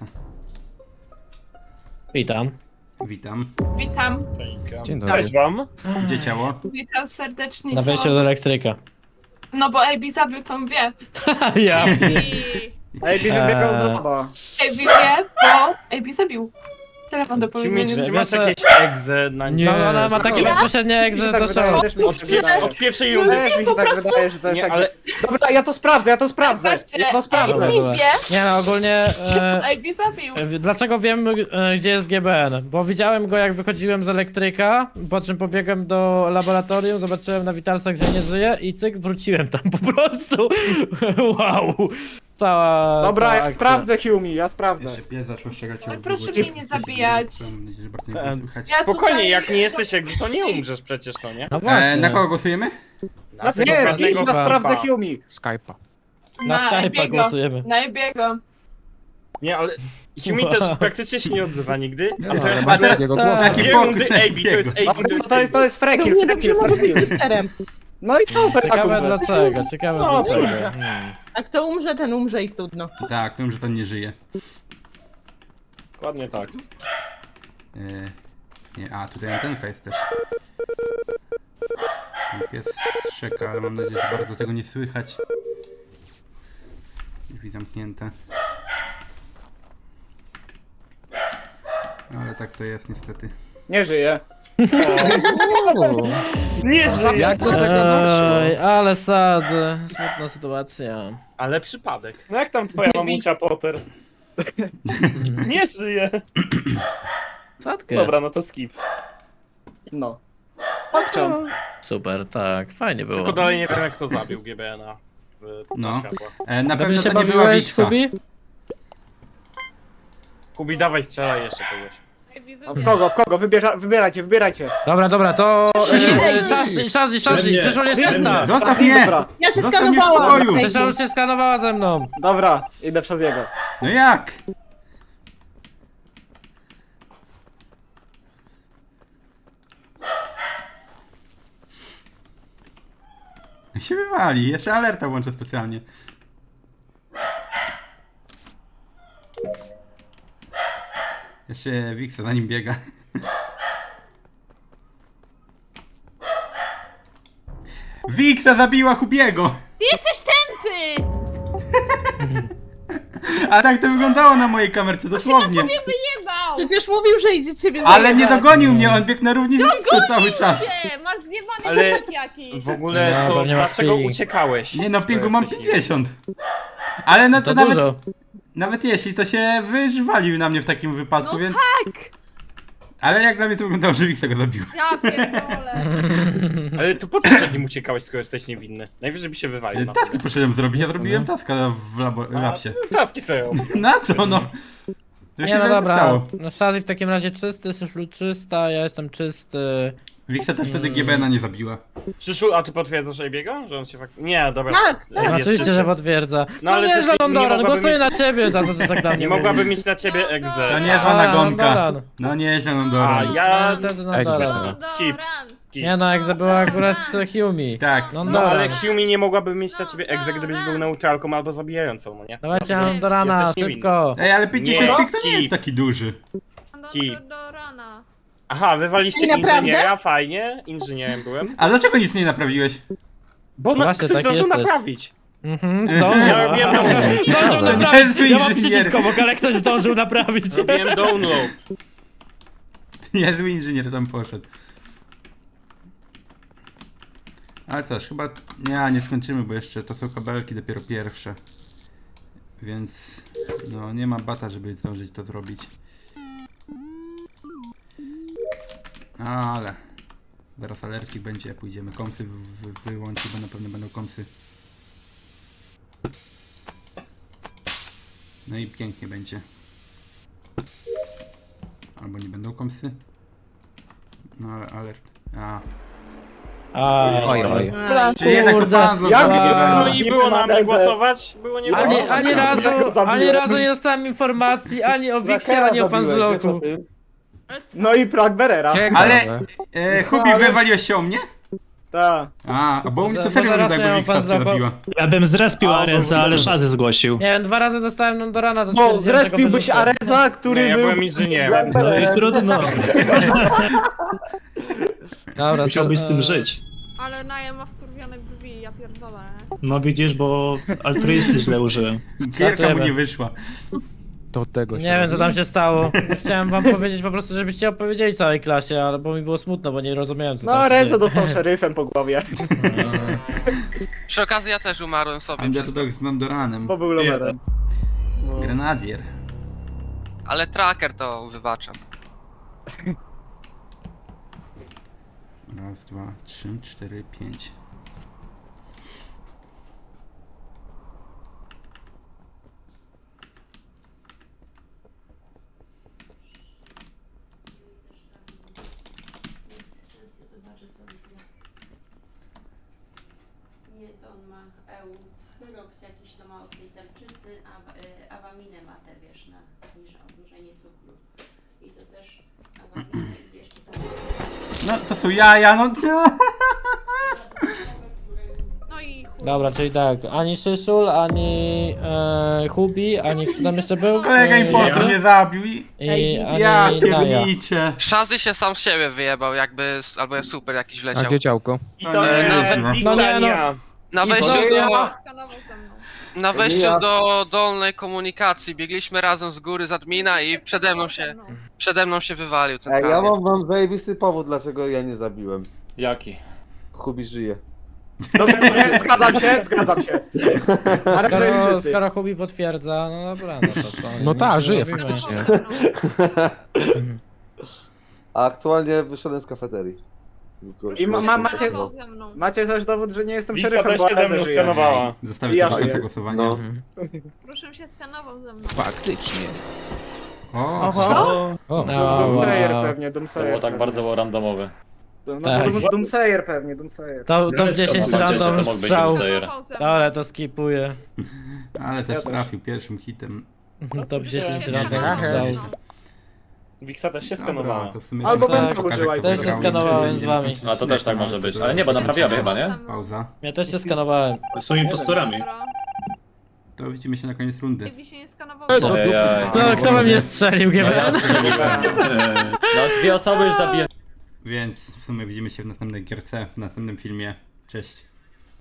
Speaker 7: Witam.
Speaker 3: Witam.
Speaker 2: Witam.
Speaker 8: Dzień
Speaker 6: Cześć wam.
Speaker 3: Gdzie ciało?
Speaker 2: Witam serdecznie.
Speaker 7: Na wejściu do elektryka.
Speaker 2: No bo AB zabił tą wie.
Speaker 7: Ja.
Speaker 11: Ej, wybiegał z laba.
Speaker 2: AB wie, bo AB zabił. Telefon do
Speaker 10: Kimi,
Speaker 2: powiedzenia.
Speaker 10: czy masz jakieś egze na
Speaker 7: Nie, no, ona ma takie bezpośrednie jak
Speaker 11: Mi się
Speaker 7: ze
Speaker 11: tak
Speaker 7: do
Speaker 11: wydaje,
Speaker 7: show.
Speaker 11: też mi się tak wydaje.
Speaker 10: Od pierwszej rundy.
Speaker 11: Też mi się
Speaker 2: po
Speaker 11: tak
Speaker 2: prostu-
Speaker 11: wydaje, że to jest
Speaker 10: Nie,
Speaker 11: tak.
Speaker 10: ale
Speaker 11: Dobra, ja to sprawdzę, ja to sprawdzę.
Speaker 2: Patrzcie,
Speaker 11: Ja to sprawdzę.
Speaker 7: Dobra,
Speaker 2: AB
Speaker 7: dobra.
Speaker 2: wie,
Speaker 7: Nie no, ogólnie...
Speaker 2: AB zabił.
Speaker 7: Dlaczego wiem, gdzie jest GBN? Bo widziałem go jak wychodziłem z elektryka, po czym pobiegłem do laboratorium, zobaczyłem na witalsach, że nie żyje i cyk, wróciłem tam po prostu. Wow. Cała
Speaker 11: Dobra,
Speaker 7: cała
Speaker 11: ja
Speaker 7: akcja.
Speaker 11: sprawdzę Humi, ja sprawdzę.
Speaker 3: Jeszcze pies zaczął ścigać
Speaker 2: Ale proszę mnie nie zabijać.
Speaker 3: Mam nadzieję, że bardzo nie było słychać.
Speaker 2: Ja
Speaker 10: spokojnie,
Speaker 2: tutaj-
Speaker 10: jak nie jesteś egzy, to nie umrzesz przecież, to nie?
Speaker 7: No właśnie.
Speaker 3: Na kogo głosujemy?
Speaker 10: Na tego
Speaker 11: Nie,
Speaker 10: ważnego
Speaker 11: ja sprawdzę
Speaker 10: Skype'a.
Speaker 11: Humi.
Speaker 7: Na Skype'a
Speaker 2: AB'ego.
Speaker 7: głosujemy.
Speaker 2: Na AB'ego.
Speaker 10: Nie, ale Humi też praktycznie się nie odzywa nigdy. A to jest
Speaker 3: A teraz
Speaker 10: dwie
Speaker 3: taki
Speaker 10: rundy
Speaker 3: fokus
Speaker 10: AB, to jest AB,
Speaker 11: To jest frekil,
Speaker 5: Równie dobrze
Speaker 11: frekil,
Speaker 5: może być
Speaker 11: frekil.
Speaker 5: listerem.
Speaker 11: No i co, tak
Speaker 7: Ciekawe
Speaker 11: umrze?
Speaker 7: dlaczego, ciekawe
Speaker 6: No,
Speaker 7: dlaczego.
Speaker 6: cóż.
Speaker 5: A kto umrze, ten umrze i trudno.
Speaker 3: Tak, tym, że ten nie żyje.
Speaker 10: Dokładnie tak.
Speaker 3: Nie, a tutaj antenka jest też. Ten pies szczeka, ale mam nadzieję, że bardzo tego nie słychać. Drzwi zamknięte. No, ale tak to jest niestety.
Speaker 11: Nie żyje.
Speaker 6: Nie żyje.
Speaker 8: Jak to tego doszło?
Speaker 7: Ej, ale sad, smutna sytuacja.
Speaker 10: Ale przypadek.
Speaker 6: No jak tam twoja mamusia Potter? Nie żyje.
Speaker 7: Sadkę.
Speaker 6: Dobra, no to skip.
Speaker 11: No. Pokczam.
Speaker 7: Super, tak, fajnie było.
Speaker 10: Tylko dalej nie wiem, jak to zabił GBN-a
Speaker 3: No.
Speaker 10: na światła.
Speaker 3: Na
Speaker 7: Dobrze
Speaker 3: pewno
Speaker 7: się
Speaker 3: to nie była
Speaker 7: bawiłeś,
Speaker 3: Wixa.
Speaker 7: Fubi?
Speaker 10: Kubi, dawaj, strzelaj jeszcze kogoś.
Speaker 11: W kogo? Wybierajcie.
Speaker 7: Dobra, to...
Speaker 5: Ej,
Speaker 7: Shazzy,
Speaker 4: Przede
Speaker 7: Krzyszul jest
Speaker 11: mnie.
Speaker 7: czysta.
Speaker 3: Zostaw mnie!
Speaker 11: Dobra,
Speaker 5: Ja się
Speaker 3: Zostaw mnie w
Speaker 5: skanowałam.
Speaker 3: spokoju.
Speaker 7: Krzyszul się skanowała ze mną.
Speaker 11: dobra, idę przez jego.
Speaker 3: No jak? Się wywali, jeszcze alerta włączę specjalnie. Jeszcze Wixa za nim biega. Wixa zabiła Hubiego!
Speaker 12: Ty jesteś tępy!
Speaker 3: A tak to wyglądało na mojej kamerce, dosłownie.
Speaker 12: Wyjebał!
Speaker 5: Przecież mówił, że idzie ciebie
Speaker 3: Ale nie
Speaker 5: zajebać.
Speaker 3: dogonił mnie, on biegł na równi z Wixą cały czas.
Speaker 12: Ty, masz zjebany
Speaker 10: Ale-
Speaker 12: ale... jakiś!
Speaker 10: W ogóle
Speaker 7: No,
Speaker 10: to
Speaker 7: pewnie masz
Speaker 10: dlaczego
Speaker 7: ping.
Speaker 10: uciekałeś?
Speaker 3: Nie no,
Speaker 10: To
Speaker 3: pingu mam
Speaker 10: jesteś
Speaker 3: 50. Ale no to,
Speaker 7: To
Speaker 3: nawet,
Speaker 7: dużo.
Speaker 3: nawet jeśli, to się wyżwalił na mnie w takim wypadku,
Speaker 12: No
Speaker 3: więc...
Speaker 12: tak!
Speaker 3: Ale jak dla mnie to wyglądało, że Wixa go zabił.
Speaker 12: Ja pierdolę!
Speaker 10: Ale to po co przed nim uciekałeś, skoro jesteś niewinny? Najwyżej by się wywalił na
Speaker 3: Taski poszedłem zrobić, ja zrobiłem taska w labsie.
Speaker 10: Taski sobie robił.
Speaker 3: Na co no? To
Speaker 7: Nie
Speaker 3: się
Speaker 7: no
Speaker 3: nie
Speaker 7: dobra,
Speaker 3: stało.
Speaker 7: no Shazzy w takim razie czysty, Syszlu czysta, ja jestem czysty.
Speaker 3: Wixa też wtedy GBN-a nie zabiła.
Speaker 10: Przyszu, a ty potwierdzasz AB'ego? Że on się faktycznie... Nie, dobra.
Speaker 5: Tak,
Speaker 10: Jest
Speaker 7: Oczywiście,
Speaker 10: czysty.
Speaker 7: że potwierdza.
Speaker 10: No,
Speaker 7: No
Speaker 10: ale
Speaker 7: nie,
Speaker 10: też
Speaker 7: że
Speaker 10: nie
Speaker 7: Londoran,
Speaker 10: mogłaby
Speaker 7: głosuję
Speaker 10: mieć-
Speaker 7: na ciebie za to, że tak dla mnie
Speaker 10: Nie
Speaker 7: mówisz.
Speaker 10: mogłaby mieć na ciebie
Speaker 3: To
Speaker 10: egzę.
Speaker 3: niezła nagonka.
Speaker 7: Londoran.
Speaker 3: No nieźle
Speaker 10: A
Speaker 3: Londoran.
Speaker 10: ja...
Speaker 7: No, niestety Londoran.
Speaker 10: Skip.
Speaker 6: szybki.
Speaker 7: Nie no, jak była akurat Humi.
Speaker 3: Tak.
Speaker 7: No,
Speaker 10: No
Speaker 7: dobra.
Speaker 10: ale Humi nie mogłaby mieć na ciebie egzę, gdybyś był neutralką albo zabijającą, no nie?
Speaker 7: Dawajcie nam do rana,
Speaker 10: Jesteś niewinny.
Speaker 7: szybko.
Speaker 3: Ej, ale 50
Speaker 10: Nie.
Speaker 3: pik to nie jest taki duży.
Speaker 12: Do rana.
Speaker 10: Aha, wywaliście
Speaker 5: I naprawdę?
Speaker 10: inżyniera, fajnie, inżynierem byłem.
Speaker 3: A dlaczego nic nie naprawiłeś?
Speaker 10: Bo
Speaker 7: Właśnie,
Speaker 10: ktoś
Speaker 7: tak
Speaker 10: zdążył
Speaker 7: jesteś.
Speaker 10: naprawić.
Speaker 7: Mhm, zdążył.
Speaker 10: Ja robiłem download.
Speaker 7: Zdążył
Speaker 3: Nie
Speaker 7: naprawić.
Speaker 3: jest
Speaker 7: Ja mam
Speaker 3: inżynier.
Speaker 7: przycisk obok, ale ktoś zdążył naprawić.
Speaker 10: Robiłem download.
Speaker 3: Niezły inżynier tam poszedł. Ale cóż, chyba nie skończymy, bo jeszcze to są kabelki dopiero pierwsze. Więc no nie ma bata, żeby zdążyć to zrobić. Ale zaraz alercik będzie, pójdziemy komsy wyłączyć, bo na pewno będą komsy. No i pięknie będzie. Albo nie będą komsy. No ale alert. A.
Speaker 7: Oj.
Speaker 3: Czyli jednak to fan
Speaker 11: Jak?
Speaker 10: No
Speaker 11: Nie
Speaker 10: i było na mnie
Speaker 11: ma
Speaker 10: głosować? Było nie
Speaker 7: Ani
Speaker 10: głosować.
Speaker 7: ani razu nie dostałem informacji ani o Wixie, ani o Fanzloku.
Speaker 11: No i Plagberera.
Speaker 3: Ale Hubi, wywaliłeś się o mnie?
Speaker 11: Tak.
Speaker 3: A, bo u mnie to
Speaker 7: Może
Speaker 3: serio
Speaker 7: raz
Speaker 3: wygląda
Speaker 7: miałem
Speaker 3: jakby Wixa cię
Speaker 7: Fanzloka.
Speaker 3: zabiła.
Speaker 4: Ja bym zrespił Arenza, ale Szazy zgłosił.
Speaker 7: Nie wiem, 2 razy dostałem do rana.
Speaker 11: Bo zrespiłbyś Areza, który
Speaker 10: Nie, ja
Speaker 11: był...
Speaker 10: byłem inżynierem.
Speaker 4: No i trudno.
Speaker 7: Dobra,
Speaker 4: Musiałbyś z tym żyć.
Speaker 12: Ale Naja ma wkurwione brwi, ja pierdolę.
Speaker 4: No widzisz, bo altruisty źle użyłem.
Speaker 3: Gierka mu nie wyszła.
Speaker 7: Nie wiem co tam się stało. Chciałem wam powiedzieć po prostu, żebyście opowiedzieli całej klasie, ale bo mi było smutno, bo nie rozumiałem co
Speaker 11: No
Speaker 7: tam się
Speaker 11: Areza
Speaker 7: dzieje.
Speaker 11: dostał szeryfem po głowie.
Speaker 9: Przy okazji ja też umarłem sobie.
Speaker 3: Underdog z Nandoranem.
Speaker 11: Bo był lomerem.
Speaker 3: Grenadier.
Speaker 9: Ale tracker to wybaczam.
Speaker 3: Raz, dwa, 3, 4, 5.
Speaker 12: Nie, to on ma Hyrox jakiś to ma od tej tarczycy, a awaminę ma te, wiesz, na obniżenie cukru. I to też awaminę i jeszcze tam...
Speaker 3: No to są jaja, no co?
Speaker 12: No i chuj.
Speaker 7: Dobra, czyli tak, ani Szyszul, ani Hubi, ani kto tam jeszcze był?
Speaker 3: Kolega impostor mnie zabił i...
Speaker 7: I ani
Speaker 3: Ja
Speaker 7: Naja.
Speaker 3: pierniczę.
Speaker 9: Szazy się sam z siebie wyjebał, jakby albo super jakiś wleciał.
Speaker 8: działko?
Speaker 6: I to
Speaker 9: nawet
Speaker 6: nawet
Speaker 7: no nie,
Speaker 6: Wixa
Speaker 7: no.
Speaker 6: nie ja.
Speaker 9: Na wejściu do...
Speaker 12: Skanował ze mną.
Speaker 9: Na wejściu do dolnej komunikacji biegliśmy razem z góry z admina i przede mną się wywalił
Speaker 1: Ej, ja
Speaker 9: centralnie.
Speaker 1: mam zajebisty powód, dlaczego ja nie zabiłem.
Speaker 8: Jaki?
Speaker 1: Hubi żyje.
Speaker 11: Dobra, nie, zgadzam się. Areza jest
Speaker 7: Skoro,
Speaker 11: czysty.
Speaker 7: skoro Hubi potwierdza, no dobra, no to co?
Speaker 8: No tak, żyje
Speaker 7: zrobimy?
Speaker 8: faktycznie.
Speaker 1: A aktualnie wyszedłem z kafeterii.
Speaker 11: I macie...
Speaker 12: Skanował ze mną.
Speaker 11: Macie też dowód, że nie jestem
Speaker 6: Wixa
Speaker 11: szeryfem,
Speaker 6: też
Speaker 11: bo
Speaker 6: się ze
Speaker 11: Areza
Speaker 6: mną
Speaker 11: żyje.
Speaker 6: skanowała.
Speaker 3: Zostawię
Speaker 11: Ja
Speaker 3: to do końca
Speaker 11: żyję.
Speaker 3: głosowania.
Speaker 1: No.
Speaker 12: Proszę się skanował ze mną.
Speaker 8: Faktycznie.
Speaker 3: O,
Speaker 11: Doomsayer
Speaker 7: wow.
Speaker 11: pewnie,
Speaker 8: To
Speaker 11: Doomsayer.
Speaker 8: było tak bardzo randomowe.
Speaker 11: No
Speaker 7: Tak.
Speaker 11: to Doomsayer pewnie, Doomsayer.
Speaker 7: To
Speaker 4: No,
Speaker 7: 10
Speaker 4: skoro
Speaker 8: Faktycznie to
Speaker 7: random
Speaker 8: mógł być
Speaker 7: strzał.
Speaker 8: Doomsayer.
Speaker 12: Skanował ze mną.
Speaker 7: Dobra, to skipuję.
Speaker 3: ale też
Speaker 11: Ja też.
Speaker 3: trafił pierwszym hitem.
Speaker 7: Top 10
Speaker 12: się
Speaker 7: random
Speaker 12: skanował.
Speaker 7: strzał.
Speaker 6: Wixa też się
Speaker 3: Dobra,
Speaker 6: skanowała.
Speaker 3: to w sumie
Speaker 11: Albo
Speaker 3: tak,
Speaker 11: Benta
Speaker 3: pokażę,
Speaker 11: użyła i
Speaker 3: kto
Speaker 7: Też się
Speaker 3: wygrał.
Speaker 7: skanowałem z wami.
Speaker 8: A to też tak może być. Ale nie, bo naprawiamy chyba, nie?
Speaker 3: Pauza.
Speaker 7: Ja też się skanowałem.
Speaker 4: Są impostorami.
Speaker 12: Dobra.
Speaker 3: To widzimy się na koniec rundy.
Speaker 12: Jakby się nie skanował ze mną.
Speaker 7: Kto we mnie strzelił,
Speaker 8: No,
Speaker 7: GBN?
Speaker 8: no 2 osoby już zabiję.
Speaker 3: Więc w sumie widzimy się w następnej gierce, w następnym filmie. Cześć.